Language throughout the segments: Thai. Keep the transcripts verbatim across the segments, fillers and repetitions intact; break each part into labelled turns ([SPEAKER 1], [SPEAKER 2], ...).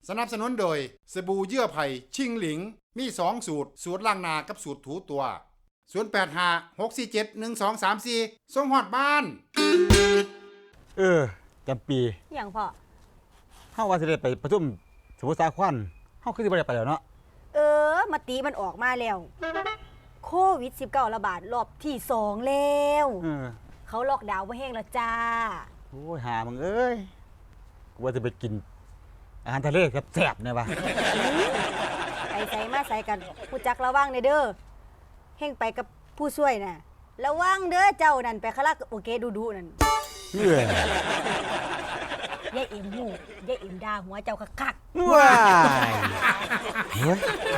[SPEAKER 1] สนับสนุนโดยสบู่เยื่อไผ่ชิงหลิงมีสองสูตรสูตรล้างหน้ากับสูตรถูตัวศูนย์ แปด ห้า หก สี่ เจ็ด หนึ่ง สอง สาม สี่ส่งฮอดบ้าน
[SPEAKER 2] เออจำปี
[SPEAKER 3] อย่างพ่อ
[SPEAKER 2] เฮาว่าสิได้ไปประชุมสมุทรสาครเฮาคือสิบ่ได้ไปแล้วเนาะ
[SPEAKER 3] เออมติมันออกมาแล้วโควิด สิบเก้า ระบาดรอบที่สองแล้วเออเขาล็อกดาวน์บ่แห้งแล้วจ้า
[SPEAKER 2] โอ้ยหามึงเอ้ยกูว่าจะไปกินอาหารทะเลแซ่บๆเนี่ยวะ
[SPEAKER 3] ไปใส่มาใส่กันผู้จักระวังเด้อเฮงไปกับผู้ช่วยน่ะระวังเด้อเจ้านั่นไปคาราโอเกะดูๆนั่น
[SPEAKER 2] เอ้ย
[SPEAKER 3] ยายเอ็มหูยายเอ็มด่าหัวเจ้าคัก
[SPEAKER 2] ๆว้ายเฮ้ย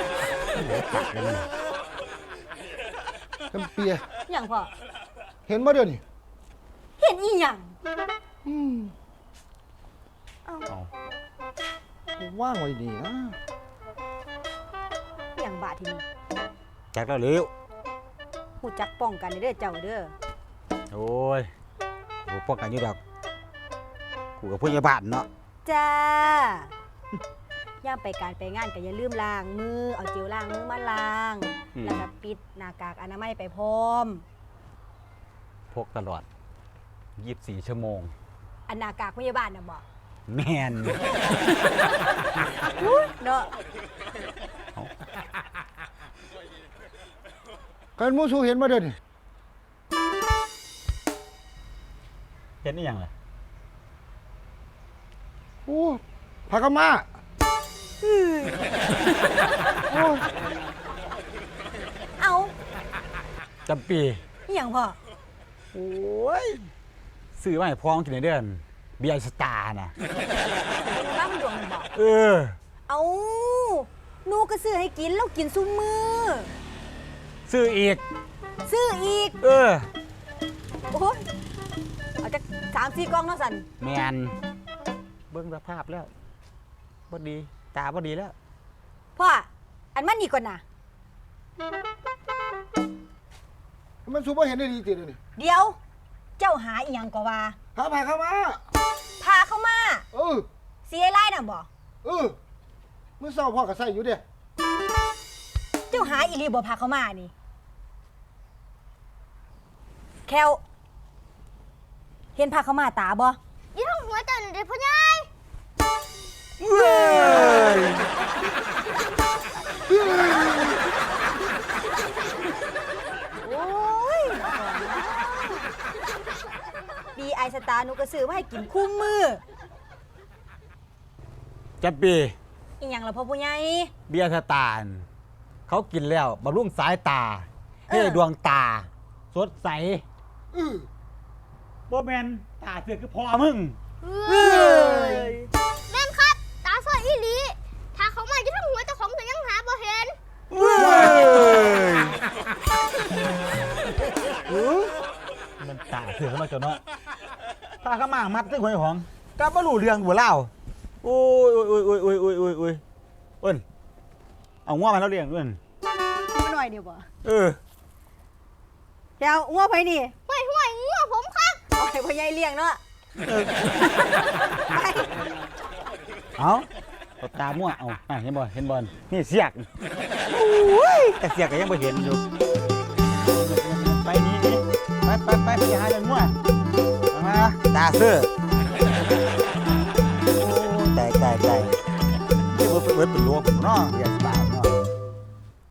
[SPEAKER 4] จำเปีย
[SPEAKER 3] หยังพ่อ
[SPEAKER 4] เห็นบ่เดี๋ยวนี้
[SPEAKER 3] เห็นอีหยัง
[SPEAKER 4] อืมเอ้าว่างไว้ดีนะ
[SPEAKER 3] หยังบาดทีนี้
[SPEAKER 2] จักแล้วเร็ว
[SPEAKER 3] ผู้จักป้องกันเด้อเจ้าเด้อ
[SPEAKER 2] โอ้ยกูป้องกันอยู่ดอกกูกับผู้ใหญ่บ้านเนาะ
[SPEAKER 3] จ้าย่ามไปการไปงานก็อย่าลืมล้างมือเอาเจลล้างมือมาล้างแล้วก็ปิดหน้ากากอนามัยไปพร้อม
[SPEAKER 2] พกตลอดยี่สิบสี่ชั่วโมง
[SPEAKER 3] อันหน้ากากพยาบาลน่ะบ่
[SPEAKER 2] แม่น
[SPEAKER 3] เนาะ
[SPEAKER 4] กันมูสูเห็นบ่เดี๋ยวนี้
[SPEAKER 2] เห็นอีหยังล่ะ
[SPEAKER 4] โอ้ผักกะมา
[SPEAKER 3] โอ้เอา
[SPEAKER 2] จำปี
[SPEAKER 3] อีหยังพ่อ
[SPEAKER 2] โอ้ยซื้อมาให้พ้องกินในเดือนเบียร์สตาร์น่ะ
[SPEAKER 3] บ้ามันดวงมันบอก
[SPEAKER 2] เออ
[SPEAKER 3] เอาหนูก็ซื้อให้กินแล้วกินซุมื้อ
[SPEAKER 2] ซื้ออีก
[SPEAKER 3] ซื้ออีก
[SPEAKER 2] เออ
[SPEAKER 3] โอ้ยเอาจากสามสี่กล่องเนาะสัน
[SPEAKER 2] แมนเบิ่งสภาพแล้วบ่ดีตาบ่ดีแล้ว
[SPEAKER 3] พ่ออันมันนี่ก่อนน่ะ
[SPEAKER 4] มันสูบ่เห็นได้ดีติเดี๋ยวนี้
[SPEAKER 3] เดี๋ยวเจ้าหาอีหยังก็ว่า
[SPEAKER 4] หาผักกะมา
[SPEAKER 3] พาเข้ามา
[SPEAKER 4] เออ
[SPEAKER 3] เสียไล่น่ะบ่
[SPEAKER 4] เออมื้อเช้าพ่อก็ใส่อยู่เด้
[SPEAKER 3] เจ้าหาอีหลีบ่พาเข้ามานี่แควเห็นพาเข้ามาตาบ่
[SPEAKER 5] ยี่ห้องหัวจันเด็กพ่อใหญ่
[SPEAKER 2] เว้ย
[SPEAKER 3] โอ้ยดีไอสตาร์หนูก็ซื้อมาให้กินคู่มือ
[SPEAKER 2] จับปี
[SPEAKER 3] อีหยังล่ะพ่อผู้ใหญ่
[SPEAKER 2] เบียร์สตาร์เขากินแล้วบำรุงสายตาให้ดวงตาสดใส
[SPEAKER 4] อือ
[SPEAKER 2] บ่แม่นตาเสือคือพ่อมึง
[SPEAKER 5] แม่นครับตาสวยอีหลีถ้าเขามายี่ห้องหัวเจ้าของก็ยังหาบ่เห็น
[SPEAKER 2] มันตาเสือมาเจ้าเนาะตาเขามามัดซึ่งหวยหองก็บ่รู้เรื่องบ่เล่าโอ้ยโอ้ยโอ้ยโอ้ยโอ้ยโอ้ยโอ้ยเอิ้นเอางัวมาแล้วเลี้ยงเอิ้น
[SPEAKER 3] มาหน่อยเดียวบ่
[SPEAKER 2] เออ
[SPEAKER 3] เดี๋ยวงัวไปนี่
[SPEAKER 5] ห่วยห่วยงัวผมครับ
[SPEAKER 3] เอาให้พ่อใหญ่เลี้ยงเนาะ
[SPEAKER 2] เอาตามั่วเอาอ่ะเห็นบ่เห็นบ่นี่เสียกโอ้ยแต่เสียกก็ยังบ่เห็นอยู่ไปนี่นี่ไปไปไปไปหาเรื่องมั่วมาตาเสื้อโอ้ตายตายตายนี่บ่เป็นเป็นลวงเนาะอย่าตาย